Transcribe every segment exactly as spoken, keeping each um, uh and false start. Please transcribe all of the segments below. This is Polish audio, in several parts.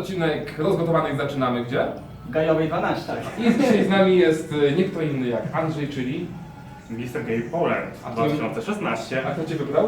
odcinek rozgotowanych zaczynamy gdzie? Gajowej dwanaście. I dzisiaj z nami jest nie kto inny jak Andrzej, czyli... mister Game Poland dwa tysiące szesnaście. A kto Cię wybrał?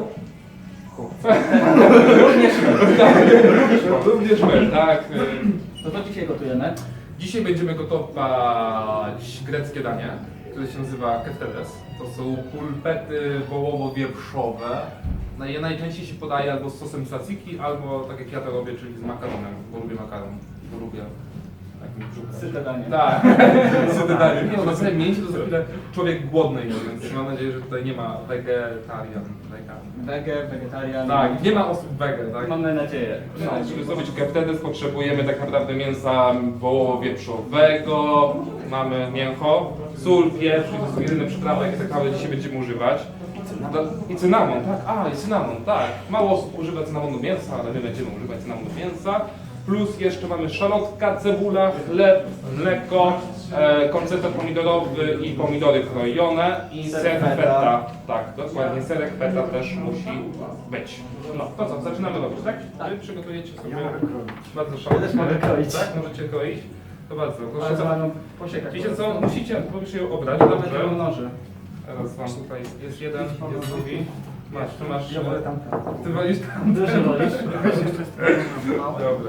Również Również my, tak. To co dzisiaj gotujemy? Dzisiaj będziemy gotować greckie danie, które się nazywa keftedes. To są pulpety wołowo-wieprzowe. No je najczęściej się podaje albo z sosem tzatziki, albo tak jak ja to robię, czyli z makaronem, bo lubię makaron, bo lubię tak mi brzuch. Syte danie. Tak, syte danie. Nie no, na samym mięsie to za chwilę człowiek głodny jest, więc mam nadzieję, że tutaj nie ma wegetarian, wegan. Wege, wegetarian. Tak, nie ma osób wege, tak? Mamy nadzieję. No, żeby zrobić keftedes potrzebujemy tak naprawdę mięsa wołowo-wieprzowego, mamy mięcho, sól, pieprz, to są jedyne przyprawy, jakie tak naprawdę dzisiaj będziemy używać. I cynamon, tak, a i cynamon, tak. Mało osób używa cynamonu mięsa, ale my będziemy używać cynamonu mięsa. Plus jeszcze mamy szalotka, cebula, chleb, mleko, e, koncertet pomidorowy i pomidory krojone i Ser ser feta. feta. Tak, dokładnie, serek feta też musi być. No to co, zaczynamy robić, tak? Tak. Wy przygotujecie sobie Ja mogę kroić. bardzo Ja szalone. też mogę kroić. Tak, możecie kroić. To bardzo. Ale Proszę, za co? paną posiekać. Wiecie co, musicie, musisz je obrać, Mamy dobrze? dużo noży. Teraz mam tutaj, jest jeden, jest drugi. Masz, tu masz... Ja wolę tamten. Ty wolisz tam? Dużo wolisz? Dobra.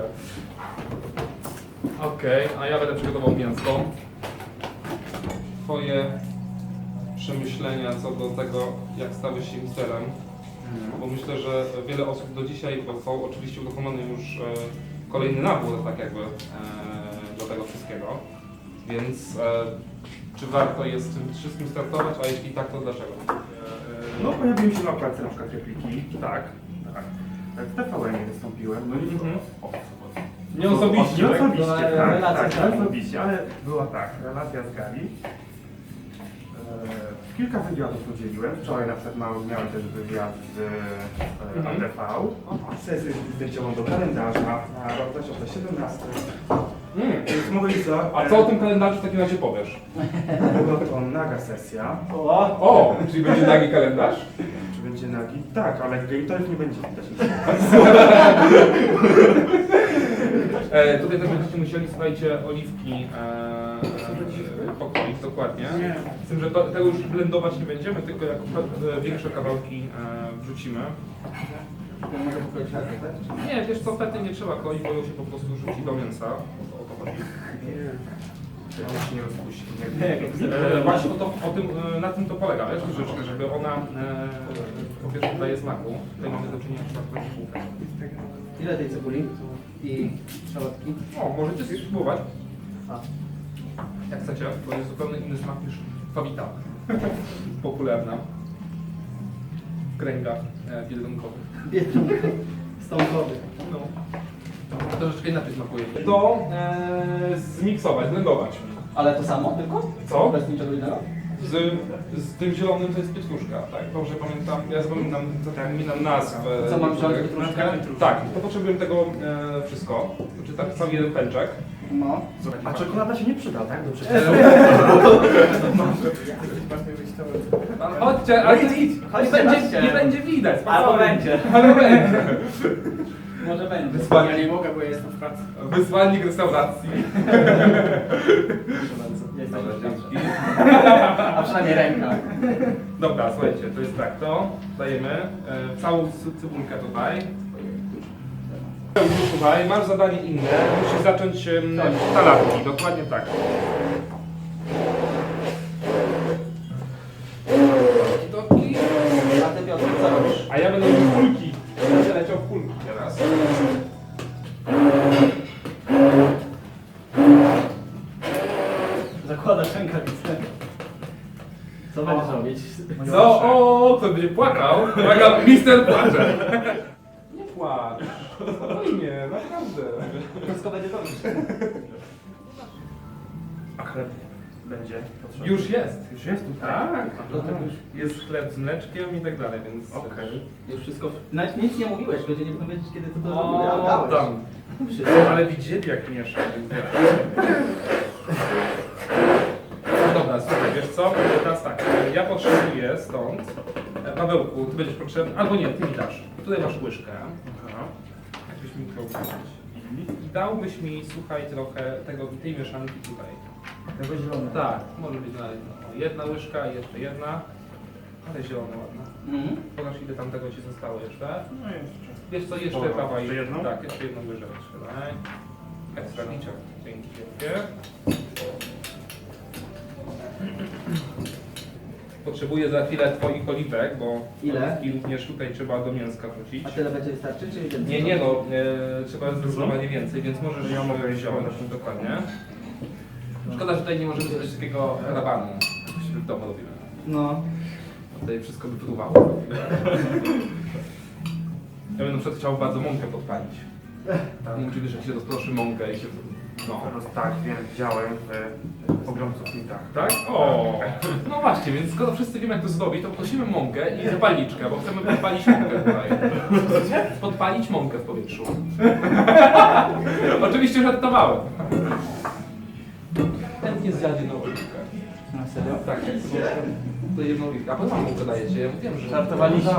Okej, a ja będę przygotował mięso. Twoje przemyślenia co do tego, jak stałeś się misterem. Bo myślę, że wiele osób do dzisiaj, bo są oczywiście uruchomiony już e, kolejny nabór, tak jakby, e, do tego wszystkiego. Więc e, czy warto jest z tym wszystkim startować, a jeśli tak, to dlaczego? No pojawiły się na okładce na przykład repliki. Tak, tak. W T V N wystąpiłem. No i Mhm. o, Nie osobiście, Nie tak? osobiście, Była tak, relacja tak, z Gali. nie osobiście, ale była tak, relacja z Gali. E, kilka wywiadów udzieliłem. Wczoraj na przykład miałem, miałem też wywiad z e, Mhm. A T V. Sesję zdjęciową do kalendarza na rok dwa tysiące siedemnasty. Mm. Więc mówili co? A co o tym kalendarzu w takim razie powiesz? Była to naga sesja. O! O, czyli będzie nagi kalendarz? Czy będzie nagi? Tak, ale genitalów nie będzie widać. E, tutaj też będziecie musieli, słuchajcie, oliwki e, pokroić, dokładnie. Nie. Z tym, że to, tego już blendować nie będziemy, tylko jak e, większe kawałki e, wrzucimy. Ja mogę pokroić na tak? Nie, wiesz co, fety nie trzeba kroić, bo ją się po prostu rzuci do mięsa. O to, o to chodzi. On się nie rozpuści. Nie, jak chcę. E, właśnie o to, o tym, e, na tym to polega, wiesz, troszeczkę, żeby ona e, po pierwsze daje smaku. Tutaj mamy do czynienia z taką bułkę. Ile tej cebuli? I szalotki? O, możecie spróbować. A. Jak chcecie, to jest zupełnie inny smak niż fawita. Popularna w kręgach e, biedronkowych. Biedronka. Stąkowy. No. Troszeczkę inaczej smakuje. To e, zmiksować, blendować. Ale to samo tylko? Co? Bez niczego innego? Z, z tym zielonym to jest pietruszka, tak? Dobrze pamiętam, ja zapominam, zapominam nazwę. Co mam wziąć, pietruszkę? Tak, to potrzebujemy tego e, wszystko. Znaczy tak, cały jeden pęczek. No. A czekolada się nie przyda, tak? Do No, chodźcie, ale idź, idź. nie, Chodźcie, będzie, chodźcie. nie będzie widać. Albo spokojnie. będzie. Ale będzie. Może będzie. Wysłanie. Ja nie mogę, bo ja jestem w pracy. Wysłannik restauracji. Proszę bardzo. Jesteś Dobra, w dzięki. pracy. A przynajmniej ręka. Dobra, słuchajcie, to jest tak, to dajemy e, całą cy- cybulkę tutaj. Słuchaj, masz zadanie inne, musisz zacząć em, talarki, dokładnie tak. Doki. A ty Piotr, co robisz? A ja będę robił kulki. Będę leciał w kulki teraz. Zakładasz rękawicę. Co będziesz robić? No, o, kto będzie płakał? Uwaga, mister płacze. Nie płacz. Spokojnie, naprawdę. Wszystko będzie dobrze. A chleb będzie potrzebny? Już jest. Już jest tutaj? Tak. Do tego już, Jest chleb z mleczkiem i tak dalej, więc... Okej. już wszystko... Nawet nic nie mówiłeś, ludzie nie będą wiedzieć, kiedy ty to O, robiłeś. A dałeś. tam. Wszystko. Ale widzieli jak miesza. więc wiesz. No dobra, słuchaj, wiesz co? Teraz tak, ja potrzebuję stąd... e, Pawełku, ty będziesz potrzebny... Albo nie, ty mi dasz. Tutaj masz łyżkę. Aha. Jakbyś mi to uczyć. I dałbyś mi, słuchaj, trochę tego, tej mieszanki tutaj. Tego zielonego. Tak, może być nawet no, jedna łyżka i jeszcze jedna. Ale zielone ładne. Mhm. Pokaż ile tam tego ci zostało jeszcze. No jeszcze. Wiesz co, jeszcze Dobra, prawa i... jeszcze jedną? Tak, jeszcze jedną łyżeczkę, daj. Ekstra liczek. Dzięki wielkie. Potrzebuję za chwilę twoich oliwek, bo Ile? oliwki również tutaj trzeba do mięska wrzucić. A tyle będzie wystarczy, czy więcej? Nie, nie no, e, trzeba zdecydowanie więcej, więc możesz Ja mogę iść wziąć, podać. dokładnie. Szkoda, że tutaj nie możemy zrobić takiego rabanu, jak się w domu robimy. No. Tutaj wszystko by próbowało. Ja bym na przykład chciał bardzo mąkę podpalić. Tak. Nie wiem, czy wiesz, jak się rozproszy mąkę i się... No. Teraz tak, wiem, widziałem w pogromców mitach. Tak? O. No właśnie, więc skoro wszyscy wiemy jak to zrobić, to prosimy mąkę i zapalniczkę, bo chcemy podpalić mąkę tutaj. Podpalić mąkę w powietrzu. Oczywiście żartowałem. Chętnie zjadzie jedną oliwkę. Na serio? Tak, to jedną oliwkę. A po co wam mąkę dajecie? Ja mówiłem, że... Żartowaliśmy.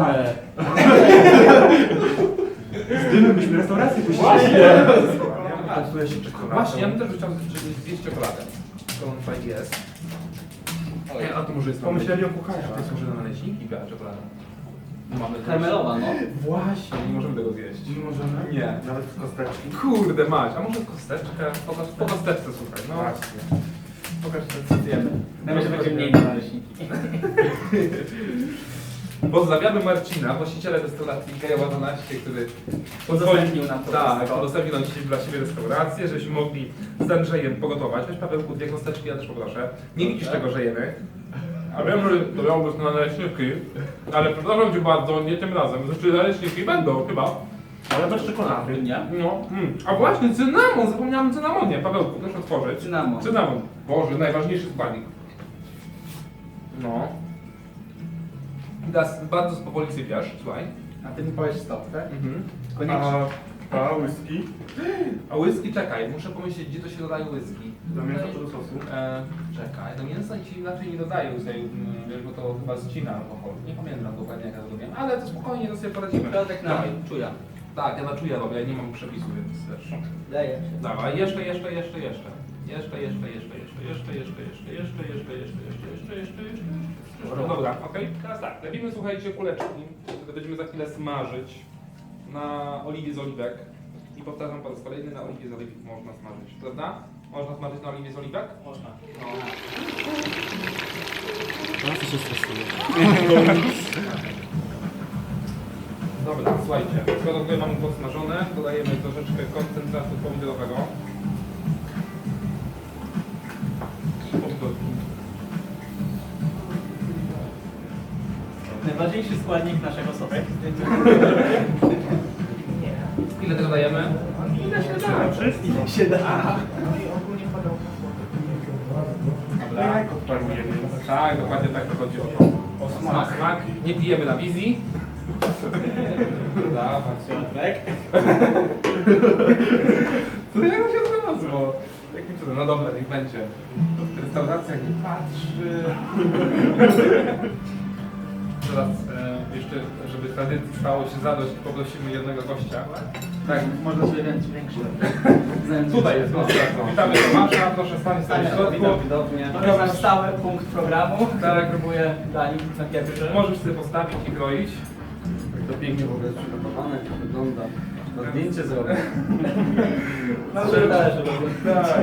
Z dymem byśmy restaurację puścili. Właśnie! Poczuje się czekoladą. Właśnie, ja bym też chciał zjeść czekoladę. To on tutaj jest. Ej, a to może jest Pomyśleli o To kucharzach. jest może na naleśniki, biała czekolada. Mamy też- Karmelowa, no. Właśnie, nie możemy tego zjeść. Nie możemy? Nie. Nawet w kosteczki. Kurde mać, a może kosteczkę? Po, po kosteczce słuchaj, no. Właśnie. Pokaż co zjemy. Na razie będzie mniej na naleśniki. Pozdrawiamy Marcina, właściciela restauracji Gejowa dwanaście, który Udostępnił nam to Tak, wszystko. udostępnił nam dzisiaj dla siebie restaurację, żebyśmy mogli z Andrzejem pogotować. Weź Pawełku dwie kosteczki, ja też poproszę. Nie widzisz czego, że jemy. A wiem, że to miało być na naleśniki, ale przepraszam Cię bardzo, nie tym razem. Znaczy naleśniki będą chyba. Ale bez czekolady. Nie? No, mm. A właśnie, cynamon, zapomniałem o cynamonie. Pawełku, proszę otworzyć. Cynamon. Cynamon. Boże, najważniejszy składnik. No. I teraz bardzo powoli sypiasz, słuchaj. A ty mi powiesz stop, tak? Mhm. Koniecznie. A, a whisky? A whisky, czekaj, muszę pomyśleć, gdzie to się dodaje whisky. Do mięsa czy do sosu? E, czekaj, do mięsa ci inaczej nie dodaję tutaj, mm, wiesz, bo to chyba ścina alkohol. Nie pamiętam dokładnie jak ja to robię, ale to spokojnie, to sobie poradzimy. Środek na Dawaj. czuja. Tak, ja na czuja robię, ja nie mam przepisu, więc też. Daję się. Dawaj, jeszcze, jeszcze, jeszcze, jeszcze. Jeszcze, jeszcze, jeszcze, jeszcze, jeszcze, jeszcze, jeszcze, jeszcze, jeszcze, jeszcze, jeszcze, jeszcze, jeszcze, jeszcze. No dobra, okej. Teraz tak, lepimy, słuchajcie, kuleczki, które będziemy za chwilę smażyć na oliwie z oliwek. I powtarzam po raz kolejny, na oliwie z oliwek można smażyć, prawda? Można smażyć na oliwie z oliwek? Można. No. Bardzo się stresuje. Dobra, słuchajcie, skoro tutaj mamy podsmażone, dodajemy troszeczkę koncentratu pomidorowego. I pomidorki. Najważniejszy składnik naszego sosu. Ile tego dajemy? Ile się da? Wszystko. Się da. Dobra. Jajko parujemy. Tak, dokładnie tak to chodzi o to. O smak. smak. Nie pijemy na wizji. Dawaj. Środek. To jak to się znalazło? Jakim cudem? No dobra, niech będzie. Restauracja nie patrzy. Teraz e, jeszcze, żeby tradycji stało się zadość, poprosimy jednego gościa. Tak, można sobie więcej większy. Tutaj jest gościa. Witamy Tomasza, proszę stać Stanie w środku. witam, widownie. To jest nasz stały punkt programu. Tak. Próbuję dać na pierwszy. Możesz sobie postawić i kroić. To pięknie w ogóle jest przygotowane, jak wygląda. Na zdjęcie zrobię. Mam że należy robić. Tak.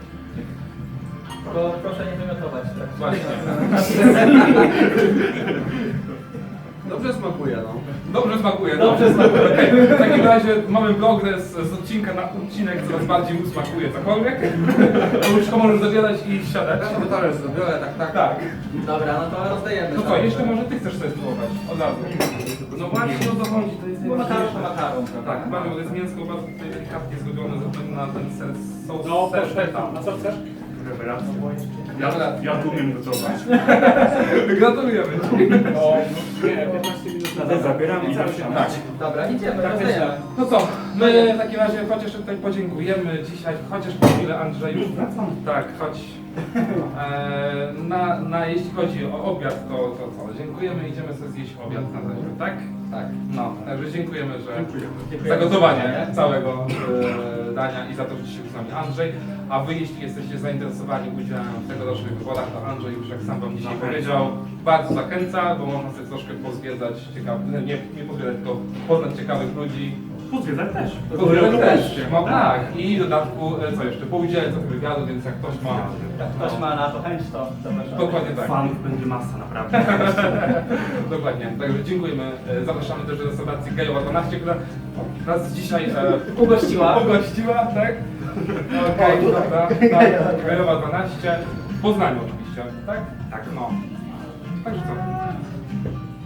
Tylko proszę nie wymiotować. Tak. Właśnie. Dobrze smakuje, no. Dobrze smakuje. Dobrze smakuje. Okej, w takim razie mamy progres z odcinka na odcinek, coraz bardziej usmakuje cokolwiek. Już to możesz zabierać i siadać. Ja sobie talerz zrobię, tak, tak. Tak. Dobra, no to rozdajemy. No co, jeszcze może ty chcesz sobie spróbować od razu. No właśnie o to chodzi, to jest Bo makaron to makaron, prawda? Tak, mamy, bo to jest mięsko bardzo tutaj delikatnie zrobione ze względu na ten ser, sos No, ser też feta. A co chcesz? Rewelacja. Ja, Dobra. ja tu umiem gotować. Gratulujemy. No, nie, piętnaście minut na to zabieram i zaczynam. Tak. Dobra, idziemy, Tak, rozdajemy. No co, my w takim razie chociaż tutaj podziękujemy dzisiaj, chociaż po chwilę Andrzeju. Tak, chodź. E, na, na, jeśli chodzi o obiad, to, to co? Dziękujemy, idziemy sobie zjeść obiad na razie, tak? Tak. No, także dziękujemy, że Dziękujemy. Dziękujemy. zagotowanie całego e, gadania i za to, że dzisiaj był z nami Andrzej. A wy, jeśli jesteście zainteresowani udziałem w tegorocznych wywodach, to Andrzej już, jak sam wam dzisiaj Zachęcam. powiedział, bardzo zachęca, bo można sobie troszkę pozwiedzać ciekawych, nie, nie pozwiedzać, tylko poznać ciekawych ludzi. Pozwiedzać też. Pozwiedzać też, Oczywiście. no tak. I w dodatku, e, co jeszcze, poudzielać trochę wywiadu, więc jak ktoś ma... Jak ktoś ma na to chęć, to zapraszam. Dokładnie tak. Fanów będzie masa, naprawdę. Dokładnie. Także dziękujemy. E, Zapraszamy też do restauracji Gajowa dwanaście, która nas dzisiaj e, Ugościła. Ugościła, tak? Okej, dobra. Tak, Gajowa dwanaście. W Poznaniu oczywiście, tak? Tak. No. Także co?